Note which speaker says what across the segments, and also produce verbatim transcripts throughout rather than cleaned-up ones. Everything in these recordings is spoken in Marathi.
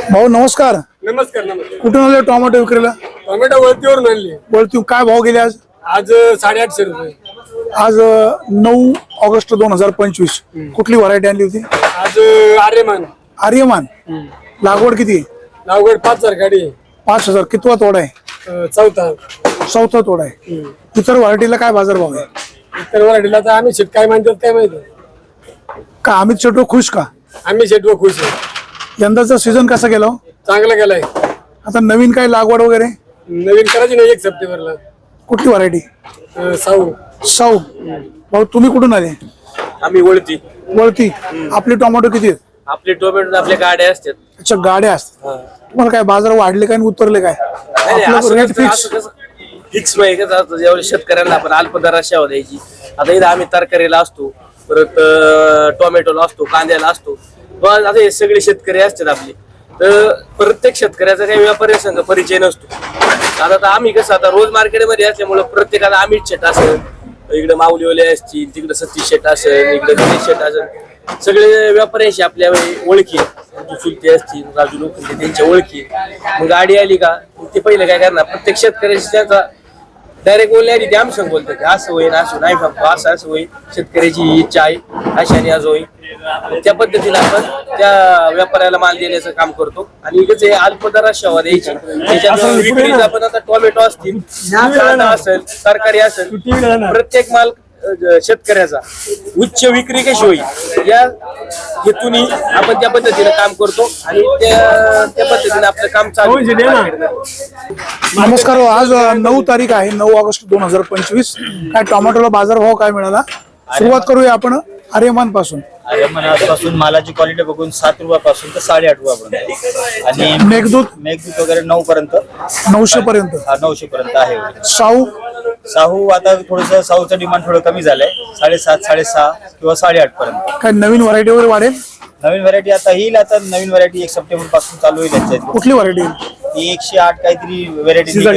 Speaker 1: भाऊ नमस्कार.
Speaker 2: नमस्कार नमस्कार.
Speaker 1: कुठून आले टोमॅटो विक्रीला?
Speaker 2: टोमॅटो वरतीवरून आणली.
Speaker 1: वरती काय भाव गेले आज?
Speaker 2: आज साडेआठशे रुपये.
Speaker 1: आज नऊ ऑगस्ट दोन हजार पंचवीस. कुठली व्हरायटी आणली होती?
Speaker 2: आज आर्यमान.
Speaker 1: आर्यमान. लागवड किती?
Speaker 2: लागवड पाच हजार गाडी.
Speaker 1: पाच हजार. कितवा तोडा आहे?
Speaker 2: चौथा.
Speaker 1: चौथा तोडा आहे. इतर व्हरायटीला काय बाजार भाव आहे?
Speaker 2: इतर व्हरायटीला तर आम्ही शेट काय म्हणतात काय माहिती
Speaker 1: का अमित शेट खुश का?
Speaker 2: आम्ही शेट व खुश आहे.
Speaker 1: यंदाचा सीझन कसा गेला?
Speaker 2: चांगला गेलाय.
Speaker 1: आता नवीन काय लागवड वगैरे
Speaker 2: नवीन करायची नाही एक सप्टेंबरला.
Speaker 1: कुठली व्हरायटी?
Speaker 2: साऊ.
Speaker 1: साऊ. भाऊ तुम्ही कुठून आले?
Speaker 3: आम्ही वळती.
Speaker 1: वळती. आपले टोमॅटो किती आहेत?
Speaker 3: आपले टोमॅटो आपल्या गाड्या असतात.
Speaker 1: अच्छा गाड्या असतात. तुम्हाला काय बाजार वाढले काय आणि उतरले काय? रेट फिक्स
Speaker 3: फिक्स जेवढे शेतकऱ्यांना आपण अल्प दरात शेवा द्यायची. आता इथं आम्ही तरकारीला असतो, परत टोमॅटोला असतो, कांद्याला असतो. आता हे सगळे शेतकरी असतात आपले. तर प्रत्येक शेतकऱ्याचा काही व्यापारी संघ परिचय नसतो. आता तर आम्ही कसं आता रोज मार्केटमध्ये असल्यामुळे प्रत्येकाला अमित शेट असेल, इकडे माऊलीवाले असतील, तिकडे सतीश शेट असेल, इकडे गणेश शेट असेल, सगळे व्यापाऱ्यांशी आपल्या ओळखी चुलते असतील, राजू लोखंडे त्यांच्या ओळखी. मग गाडी आली का ते पहिले काय करणार, प्रत्येक शेतकऱ्याशी त्यांचा डायरेक्ट बोलण्याआधी ते आमचं बोलतात असं होईल, असं नाही फक्त असं असं होईल, शेतकऱ्याची ही इच्छा आहे, अशाने आज होईल. त्या पद्धतीने आपण त्या व्यापाऱ्याला माल देण्याचं काम करतो. आणि इकडेच हे अल्प दरात शेवा द्यायची. त्याच्यात विक्रीत आपण आता टोमॅटो असतील, कांदा असेल, तरकारी असेल, प्रत्येक माल शेतकऱ्याचा उच्च विक्री कशी होईल या हेतून आपण त्या पद्धतीने काम करतो आणि त्या त्या पद्धतीने आपलं काम चालू.
Speaker 1: नमस्कार. आज नऊ तारीख आहे, नऊ ऑगस्ट दोन हजार पंचवीस. काय टोमॅटोला बाजार भाव काय मिळाला? सुरुवात करूया आपण आर्यमान पासून.
Speaker 4: आर्यमानापासून मालाची क्वालिटी बघून सात रुपयापासून तर साडे आठ रुपयापर्यंत. आणि
Speaker 1: मेघदूत
Speaker 4: मेघदूत वगैरे नऊ पर्यंत
Speaker 1: नऊशे पर्यंत
Speaker 4: नऊशे पर्यंत आहे.
Speaker 1: साऊ
Speaker 4: साहू आता थोडस साऊचं डिमांड थोडं कमी झालंय, साडेसात साडेसहा किंवा साडेआठ पर्यंत.
Speaker 1: काय नवीन व्हरायटी वगैरे वाढेल?
Speaker 4: नवीन व्हरायटी आता येईल. आता नवीन व्हरायटी एक सप्टेंबर पासून चालू होईल यांच्या.
Speaker 1: कुठली व्हरायटी?
Speaker 4: ती एकशे आठ काहीतरी व्हरायटी ती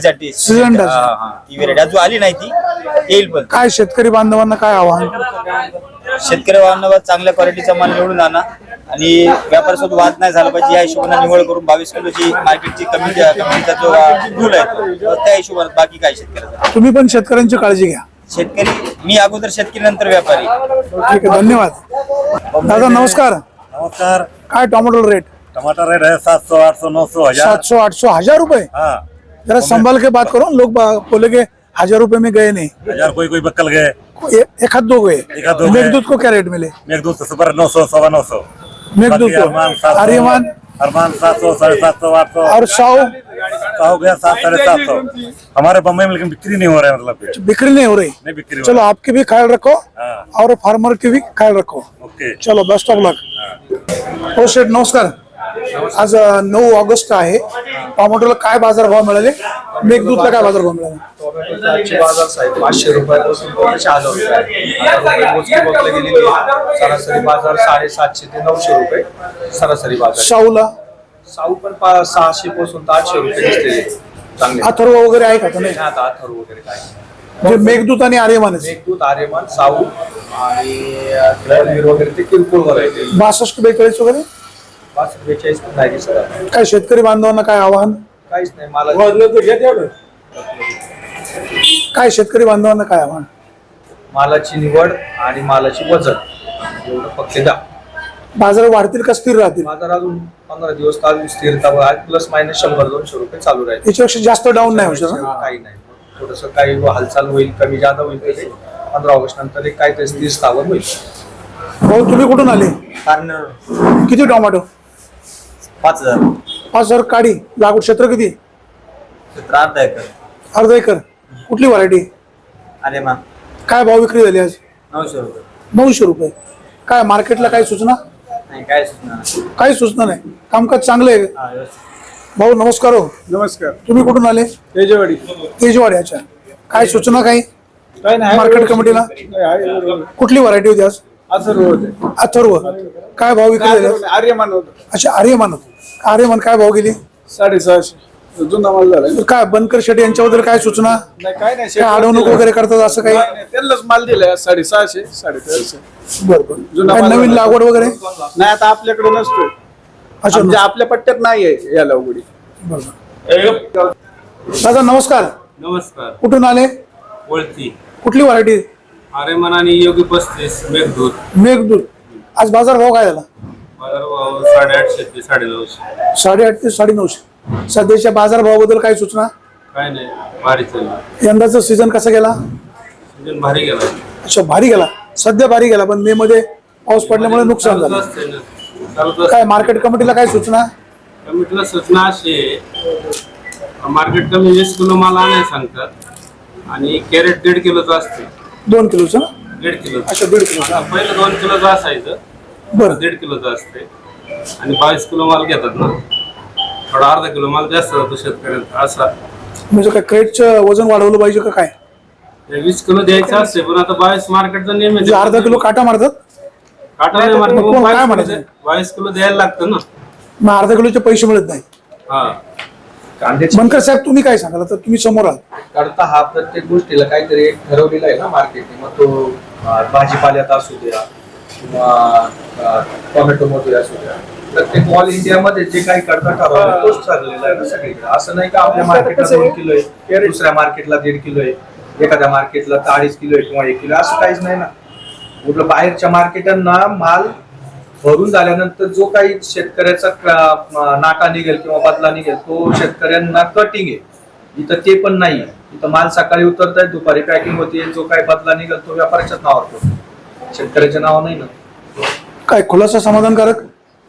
Speaker 4: व्हरायटी अजून आली नाही, ती येईल. पण
Speaker 1: काय शेतकरी बांधवांना काय आव्हान?
Speaker 4: शेतकरी बांधवांना चांगल्या क्वालिटीचा माल निवडून आणा आणि व्यापारासोबत वाद नाही झाला पाहिजे या हिशोबाने निवड करून बावीस किलोची मार्केटची कमी कमीचा जो रूल आहे त्या हिशोबाने. बाकी काय शेतकऱ्याचा
Speaker 1: तुम्ही पण शेतकऱ्यांची काळजी घ्या.
Speaker 4: शेतकरी मी अगोदर शेतकरी नंतर व्यापारी.
Speaker 1: ठीक आहे, धन्यवाद. दादा नमस्कार.
Speaker 5: नमस्कार.
Speaker 1: काय टोमॅटो रेट?
Speaker 5: टमाटर रेट है सात सौ आठ सौ नौ सौ हजार.
Speaker 1: सात सौ आठ सौ हजार रुपए.
Speaker 5: हाँ
Speaker 1: जरा संभाल के बात करो. लोग बोले के हजार रुपए में गए नहीं.
Speaker 5: हजार कोई कोई बक्कल गए,
Speaker 1: ए, एक हाथ दो गए.
Speaker 5: एक हाथ दो गए।
Speaker 1: मेघदूत को क्या रेट मिले?
Speaker 5: मेघदूत सुपर नौ सौ सवा नौ सौ.
Speaker 1: मेघदूत को आर्यमान
Speaker 5: अरमान सात सौ साढ़े सात सौ आठ सौ
Speaker 1: और साऊ
Speaker 5: साहू गया सात साढ़े सात सौ. हमारे बम्बई में लेकिन बिक्री नहीं हो रहा है. मतलब
Speaker 1: बिक्री नहीं हो रही.
Speaker 5: नहीं बिक्री.
Speaker 1: चलो आपकी भी ख्याल रखो
Speaker 5: हाँ.
Speaker 1: और फार्मर की भी ख्याल रखो.
Speaker 5: ओके
Speaker 1: चलो बेस्ट ऑफ लक. हो शेठ नमस्कार. आज नऊ ऑगस्ट आहे. टोमॅटोला काय बाजार भाव मिळाले? मेघदूतला काय बाजार भाव मिळाले?
Speaker 6: टोमॅटोचे आजचे बाजार साहेब पाचशे रुपयापासून ते चालू होते. सरासरी बाजार साडेसातशे ते नऊशे रुपये सरासरी बाजार.
Speaker 1: साऊला
Speaker 6: साऊ पण पा- सहाशे पासून तर आठशे रुपये दिसते चांगले.
Speaker 1: अथर्व वगैरे आहे का? नाही
Speaker 6: आता अथर्व वगैरे काय
Speaker 1: म्हणजे मेघदूत आणि आर्यमान.
Speaker 6: मेघदूत आर्यमान साऊ आणि रणवीर वगैरे ते किरकोळ व्हरायटी.
Speaker 1: बासष्ट बेचाळीस वगैरे
Speaker 6: पाच बेचाळीस पण नाही दिसत आता.
Speaker 1: काय शेतकरी बांधवांना काय आव्हान?
Speaker 6: काहीच नाही मला
Speaker 1: काय शेतकरी बांधवांना काय आव्हान?
Speaker 6: मालाची निवड आणि मालाची वजन एवढं फक्त द्या.
Speaker 1: बाजार वाढतील का स्थिर राहतील?
Speaker 6: बाजार अजून पंधरा दिवस अजून स्थिरता प्लस मायनस शंभर दोनशे रुपये चालू राहील.
Speaker 1: याच्यापेक्षा जास्त डाऊन नाही होऊ शकत.
Speaker 6: काही नाही, थोडस काही हालचाल होईल, कमी जादा होईल. तर ते पंधरा ऑगस्ट नंतर एक काय ते स्थिर स्थावर होईल.
Speaker 1: भाऊ तुम्ही कुठून आले? किती टोमॅटो?
Speaker 4: पाच हजार
Speaker 1: पाच हजार. काडी लागवड क्षेत्र किती?
Speaker 4: अर्धा एकर.
Speaker 1: अर्धा एकर. कुठली व्हरायटी?
Speaker 4: आर्यमान
Speaker 1: काय भाव विक्री झाली आज?
Speaker 4: नऊशे रुपये.
Speaker 1: नऊशे रुपये. काय मार्केटला काय सूचना?
Speaker 4: नाही काय सुचणार.
Speaker 1: काही सूचना नाही. कामकाज चांगलं आहे. भाऊ नमस्कार. हो
Speaker 2: नमस्कार.
Speaker 1: तुम्ही कुठून आले?
Speaker 2: तेजवाडी.
Speaker 1: तेजवाडी. अच्छा. काय सूचना काही
Speaker 2: काय नाही
Speaker 1: मार्केट कमिटीला? कुठली व्हरायटी होती आज?
Speaker 2: अथर्व होते.
Speaker 1: अथर्व. काय भाव विक्री झाले?
Speaker 2: आर्यमान होत.
Speaker 1: अच्छा आर्यमान. आर्यमान काय भाव गेली?
Speaker 2: साडेसहाशे. जुना माल झाला.
Speaker 1: काय बनकर शेट्टी यांच्याबद्दल काय सूचना?
Speaker 2: नाही काय नाही.
Speaker 1: काय अडवणूक वगैरे करतात असं काही?
Speaker 2: त्यांनाच माल दिलाय साडेसहाशे साडेचारशे.
Speaker 1: बरोबर.
Speaker 2: जुना
Speaker 1: काय
Speaker 2: माल
Speaker 1: नवीन
Speaker 2: झाला.
Speaker 1: लागवड वगैरे?
Speaker 2: नाही आता आपल्याकडे नसतोय.
Speaker 1: अच्छा,
Speaker 2: म्हणजे आपल्या पट्ट्यात नाहीये या लागवडी.
Speaker 1: बरोबर. दादा नमस्कार,
Speaker 7: नमस्कार.
Speaker 1: कुठून आले?
Speaker 7: वळती
Speaker 1: कुठली व्हरायटी?
Speaker 7: आर्यमान आणि योगी पस्तीस मेघदूत.
Speaker 1: मेघदूत. आज बाजार भाव काय झाला?
Speaker 7: बाजारभाव साडेआठशे ते साडेनऊशे.
Speaker 1: साडेआठ ते साडेनऊशे. सध्याच्या बाजार भावाबद्दल काय सूचना?
Speaker 7: काय नाही, भारी चालली.
Speaker 1: यंदाचा सीझन कसा गेला?
Speaker 7: सीजन भारी गेला.
Speaker 1: अच्छा, भारी गेला. सध्या भारी गेला, पण मे मध्ये पाऊस पडल्यामुळे नुकसान
Speaker 7: चालूच
Speaker 1: झालं.
Speaker 7: असते ना. चालूच
Speaker 1: काय
Speaker 7: असते.
Speaker 1: मार्केट कमिटीला काय सूचना?
Speaker 7: कमिटीला सूचना अशी आहे, मार्केट कमी वीस किलो माल आणायला सांगतात आणि कॅरेट दीड किलोचं असते.
Speaker 1: दोन किलोचं ना?
Speaker 7: दीड किलो.
Speaker 1: अच्छा, दीड किलो.
Speaker 7: पहिलं दोन किलोचं असायचं,
Speaker 1: बरं.
Speaker 7: दीड किलोचं असते आणि बावीस किलो माल घेतात ना, थोडा अर्धा किलो माल जास्त जातो शेतकऱ्यांचा असा.
Speaker 1: म्हणजे काय क्रेटचं वजन वाढवलं पाहिजे का काय?
Speaker 7: वीस किलो द्यायचं असते, पण आता बावीस मार्केटचा नियम
Speaker 1: म्हणजे अर्धा किलो काटा मारतात?
Speaker 7: काटा नाही मार्केट,
Speaker 1: मग कोण काय
Speaker 7: बावीस
Speaker 1: म्हणायचं?
Speaker 7: किलो द्या- बावीस किलो द्यायला लागतं ना.
Speaker 1: मग अर्धा किलोचे पैसे मिळत नाही.
Speaker 7: हा.
Speaker 2: कांद्याची
Speaker 1: बनकर साहेब तुम्ही काय सांगाल? तर तुम्ही समोर आहात.
Speaker 6: करता हा प्रत्येक गोष्टीला काहीतरी एक ठरवलेला आहे ना मार्केटने. मग तो अं, भाजीपाल्यात असू द्या किंवा अं, टोमॅटो मध्ये असू द्या, प्रत्येक ऑल इंडियामध्ये जे काही करता ठरवलं तोच ठरलेला आहे ना सगळीकडे. असं नाही का आपल्या मार्केटला दोन किलो आहे, दुसऱ्या मार्केटला दीड किलो आहे, एखाद्या मार्केटला अडीच किलो आहे किंवा एक किलो, असं काहीच नाही ना. कुठलं बाहेरच्या मार्केटांना माल भरून झाल्यानंतर जो काही शेतकऱ्याचा क- नाटा निघेल किंवा बदला निघेल तो शेतकऱ्यांना कटिंग आहे. इथं ते पण नाही. इथं माल सकाळी उतरताय, दुपारी पॅकिंग होते, जो काही बदला निघेल तो व्यापाऱ्याच्याच नावावर होतो, शेतकऱ्याच्या नावावर नाही ना.
Speaker 1: काय खुलासा समाधानकारक?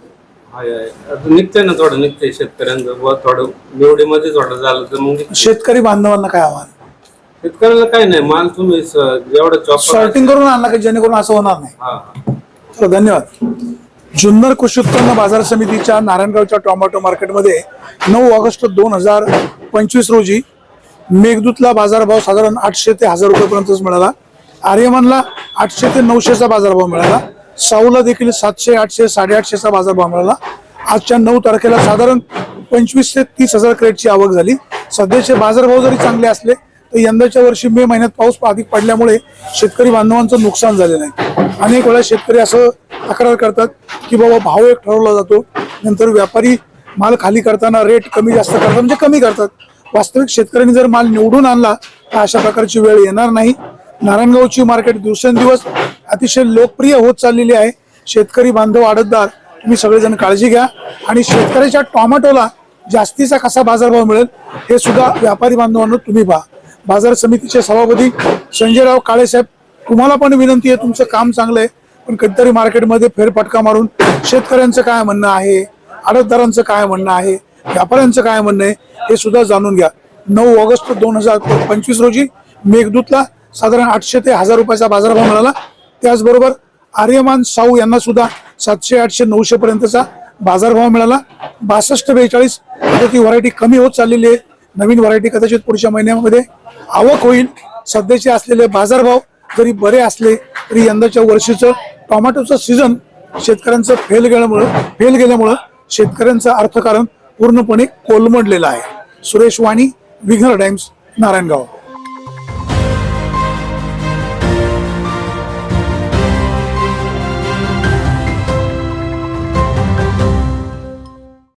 Speaker 7: हाय हाय. आता निघतंय ना, थोडं निघतंय शेतकऱ्यांचं. बुवा थोडं निवडीमध्ये थोडं झालं तर मग निघतंय.
Speaker 1: शेतकरी बांधवांना काय आव्हान?
Speaker 7: शेतकऱ्याला काही नाही, माल तुम्ही स- जेवढं चॉपर.
Speaker 1: सॉर्टिंग करून आणला की जेणेकरून असं होणार नाही.
Speaker 7: हा हा.
Speaker 1: चला, धन्यवाद. जुन्नर कृषी उत्पन्न बाजार समितीच्या नारायणगावच्या टोमॅटो मार्केटमध्ये नऊ ऑगस्ट दोन हजार पंचवीस रोजी मेघदूतला बाजारभाव साधारण आठशे ते हजार रुपयेपर्यंतच मिळाला. आर्यमनला आठशे ते नऊशेचा बाजारभाव मिळाला. साऊला देखील सातशे आठशे साडेआठशेचा बाजारभाव मिळाला. आजच्या नऊ तारखेला साधारण पंचवीस ते तीस हजार क्रेटची आवक झाली. सध्याचे बाजारभाव जरी चांगले असले तर यंदाच्या वर्षी मे महिन्यात पाऊस अधिक पडल्यामुळे शेतकरी बांधवांचं नुकसान झालेलं आहे. अनेक वेळा शेतकरी असं तक्रार करतात की बाबा भाव एक ठरवला जातो, नंतर व्यापारी माल खाली करताना रेट कमी जास्त करतात, म्हणजे कमी करतात. वास्तविक शेतकऱ्यांनी जर माल निवडून आणला तर अशा प्रकारची वेळ येणार नाही. नारायणगावची मार्केट दिवसेंदिवस अतिशय लोकप्रिय होत चाललेली आहे. शेतकरी बांधव, आडतदार, तुम्ही सगळेजण काळजी घ्या आणि शेतकऱ्याच्या टोमॅटोला जास्तीचा कसा बाजारभाव मिळेल हे सुद्धा व्यापारी बांधवांना तुम्ही पहा. बाजार समितीचे सभापती संजयराव काळेसाहेब, तुम्हाला पण विनंती आहे, तुमचं काम चांगलं आहे, पण कधीतरी मार्केटमध्ये फेरफटका मारून शेतकऱ्यांचं काय म्हणणं आहे, आडतदारांचं काय म्हणणं आहे, व्यापाऱ्यांचं काय म्हणणं आहे हे सुद्धा जाणून घ्या. नऊ ऑगस्ट दोन हजार पंचवीस रोजी मेघदूतला साधारण आठशे ते हजार रुपयाचा बाजारभाव मिळाला. त्याचबरोबर आर्यमान साऊ यांना सुद्धा सातशे आठशे नऊशे पर्यंतचा बाजारभाव मिळाला. बासष्ट बेचाळीस आता ती व्हरायटी कमी होत चाललेली आहे. नवीन व्हरायटी कदाचित पुढच्या महिन्यामध्ये आवक होईल. सध्याचे असलेले बाजारभाव जरी बरे असले तरी यंदाच्या वर्षीचं टोमॅटोचं सीझन शेतकऱ्यांचं फेल गेल्यामुळं फेल गेल्यामुळं शेतकऱ्यांचं अर्थकारण पूर्णपणे कोलमडलेलं आहे. सुरेश वाणी, विघ्नर टाइम्स, नारायणगाव.